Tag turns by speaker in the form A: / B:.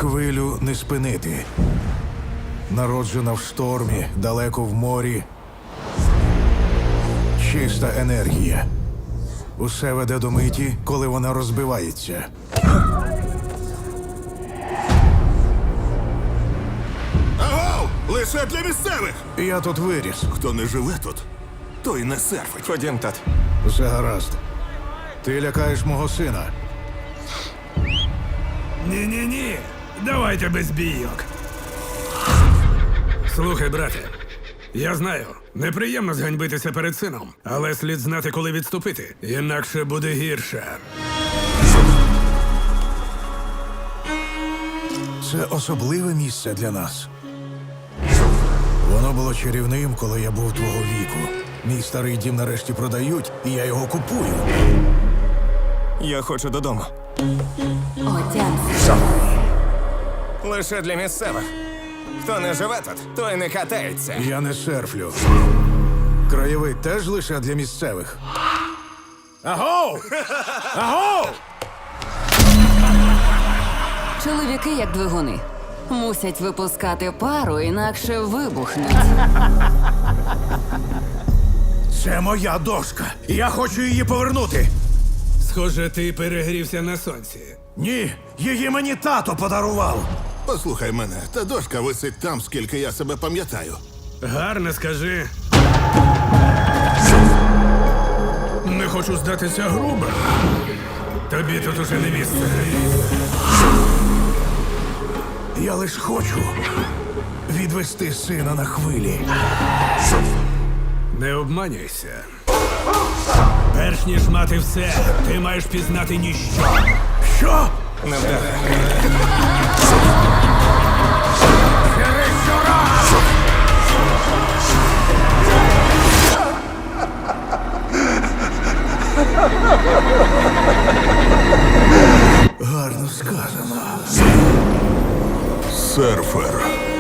A: Хвилю не спинити. Народжена в штормі, далеко в морі. Чиста енергія. Усе веде до миті, коли вона розбивається.
B: Агов! Лише для місцевих!
A: Я тут виріс.
B: Хто не живе тут, той не серфить.
C: Ходім, тат.
A: Все гаразд. Ти лякаєш мого сина.
D: Ні-ні-ні. Давайте без бійок. Слухай, брате. Я знаю, неприємно зганьбитися перед сином, але слід знати, коли відступити. Інакше буде гірше.
A: Це особливе місце для нас. Воно було чарівним, коли я був твого віку. Мій старий дім нарешті продають, і я його купую.
C: Я хочу додому.
E: Отямся.
C: Лише для місцевих. Хто не живе тут, той не катається.
A: Я не серфлю. Краєвид теж лише для місцевих. Агов! Агов!
E: Чоловіки, як двигуни, мусять випускати пару, інакше вибухнуть.
A: Це моя дошка. Я хочу її повернути.
D: Схоже, ти перегрівся на сонці.
A: Ні, її мені тато подарував.
B: Послухай мене, та дошка висить там, скільки я себе пам'ятаю.
D: Гарно скажи. Не хочу здатися грубо. Тобі тут уже не місце.
A: Я лиш хочу відвести сина на хвилі.
D: Не обманюйся. Перш ніж мати все, ти маєш пізнати ніщо.
A: Що?
C: Не вдаре.
A: Гарно сказано.
B: Серфер.